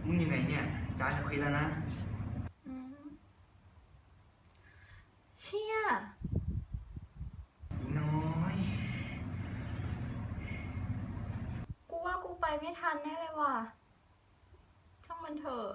มึงอยู่ไหนเนี่ยจานจะคุยแล้วนะอืมเชี่ยอีน้อยกูว่ากูไปไม่ทันแน่เลยว่ะช่างมันเถอะ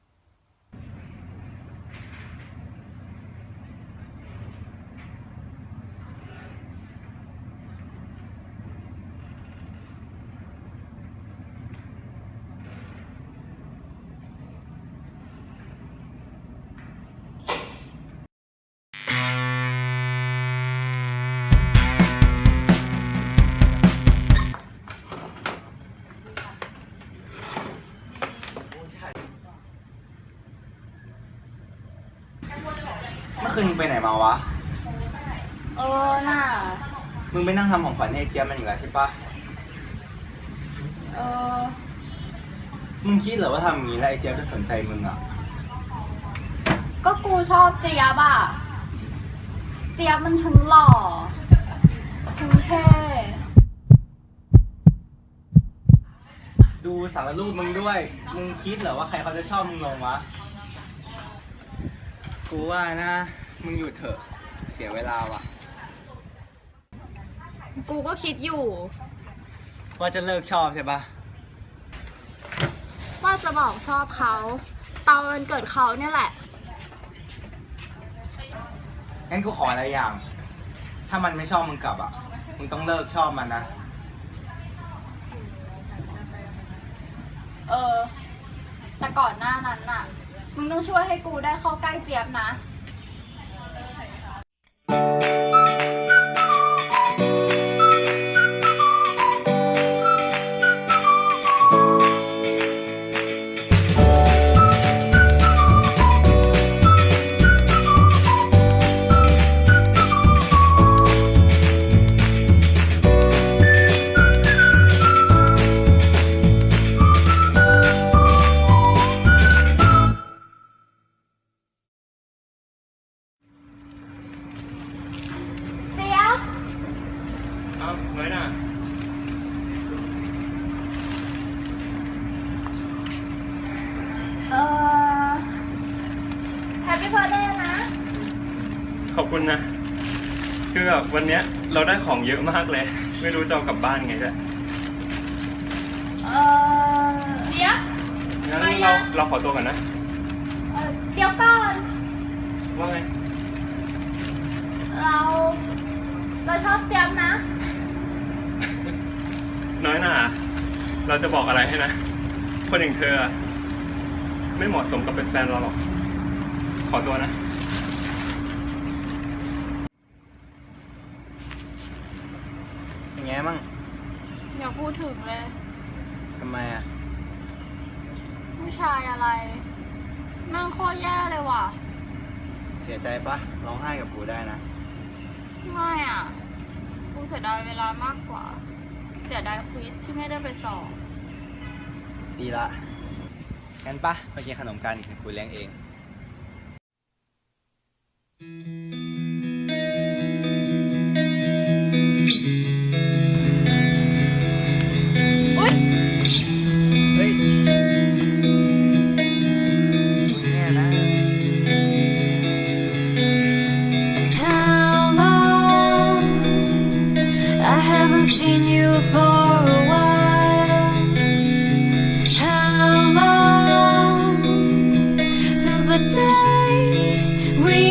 เมื่อคืนมึงไปไหนมาวะน่ะมึงไปนั่งทำของขวัญให้ไอ้เจี๊ยบมันอีกแล้วใช่ปะเออมึงคิดเหรอว่าทำอย่างนี้แล้วไอ้เจี๊ยบจะสนใจมึงอ่ะก็กูชอบเจี๊ยบอ่ะเจี๊ยบมันทั้งหล่อทั้งเท่ดูสารรูปมึงด้วย มึงคิดเหรอว่าใครเขาจะชอบมึงลงวะ กูว่านะ มึงหยุดเถอะ เสียเวลาว่ะกูก็คิดอยู่ว่าจะเลิกชอบใช่ปะว่าจะบอกชอบเขาตอนวันเกิดเขาเนี่ยแหละงั้นกูขออะไรอย่าง ถ้ามันไม่ชอบมึงกลับอ่ะ มึงต้องเลิกชอบมันนะแต่ก่อนหน้านั้นน่ะ มึงต้องช่วยให้กูได้เข้าใกล้เจี๊ยบนะ เจี๊ยบเอ้าน้อยน่ะแฮปปี้เบิร์ดเดย์นะขอบคุณนะ คือแบบวันเนี้ยเราได้ของเยอะมากเลย ไม่รู้จะเอากลับบ้านไงด้วยเจี๊ยบงั้นไปยังเราขอตัวก่อนนะเดี๋ยวก่อนว่าไงเราชอบเจี๊ยบนะน้อยน่ะ เราจะบอกอะไรให้นะ คนอย่างเธออะไม่เหมาะสมกับเป็นแฟนเราหรอก ขอตัวนะอย่างไงมั่งอย่าพูดถึงเลยทำไมอ่ะผู้ชายอะไรแม่งโคตรแย่เลยว่ะเสียใจปะร้องไห้กับกูได้นะไม่อ่ะ กูเสียดายเวลามากกว่า เสียดายควิสที่ไม่ได้ไปสอบดีละ งั้นปะไปกินขนมกันเดี๋ยวกูเลี้ยงเองอุ๊ยเฮ้ยมึงเนี่ยนะ How long? I haven't seen you for a while. How long since the day we